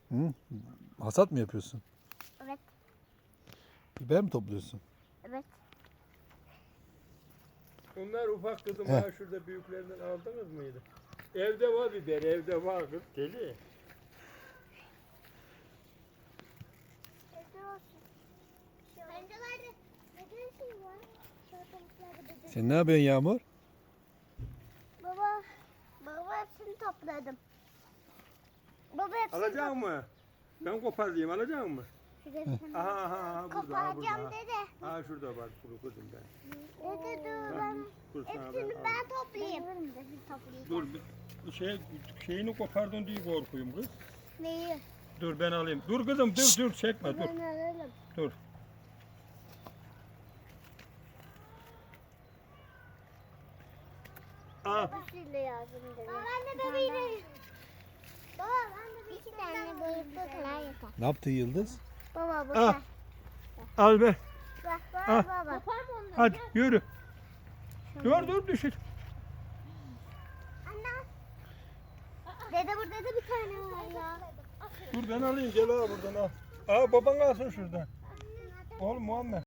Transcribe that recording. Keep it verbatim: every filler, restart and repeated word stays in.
Hı? Hasat mı yapıyorsun? Evet. Biber mi topluyorsun? Evet. Bunlar ufak kızım Heh. ha şurada büyüklerinden aldınız mıydı? Evde var biber, evde var kız deli. Evde olsun. Pencerelerde neden şey var? Şortalıklarda böcek. Sen ne yapıyorsun Yağmur? Baba, baba hepsini topladım. Baba hepsini Alacak mı? Ben koparayım, alacak mı? topladım. Aha aha aha burada, aha, Koparacağım burada. dede. Ha şurada var kuru kızım ben. Dede dur ben Dur sana hepsini ben ben toplayayım. toplayayım. Dur bir şey şeyini kopardın diye korkuyum kız. Neyi? Dur ben alayım. Dur kızım dur dur çekme dur. Ben alalım. Dur. Al. Babasıyla yazdım dedi. Baba ben de bebeğim. Baba ben de bir iki tane boyutlu kadar yeter. Ne yaptı Yıldız? Baba bu Al. kadar. Al be. Bak Al. bak baba. Kopar mı onları? Hadi yürü. Dur dur düşür. Anne. Dede burada da bir tane var ya. Dur ben alayım gel al buradan al. Aa baban alsın şuradan. Oğlum Muhammed.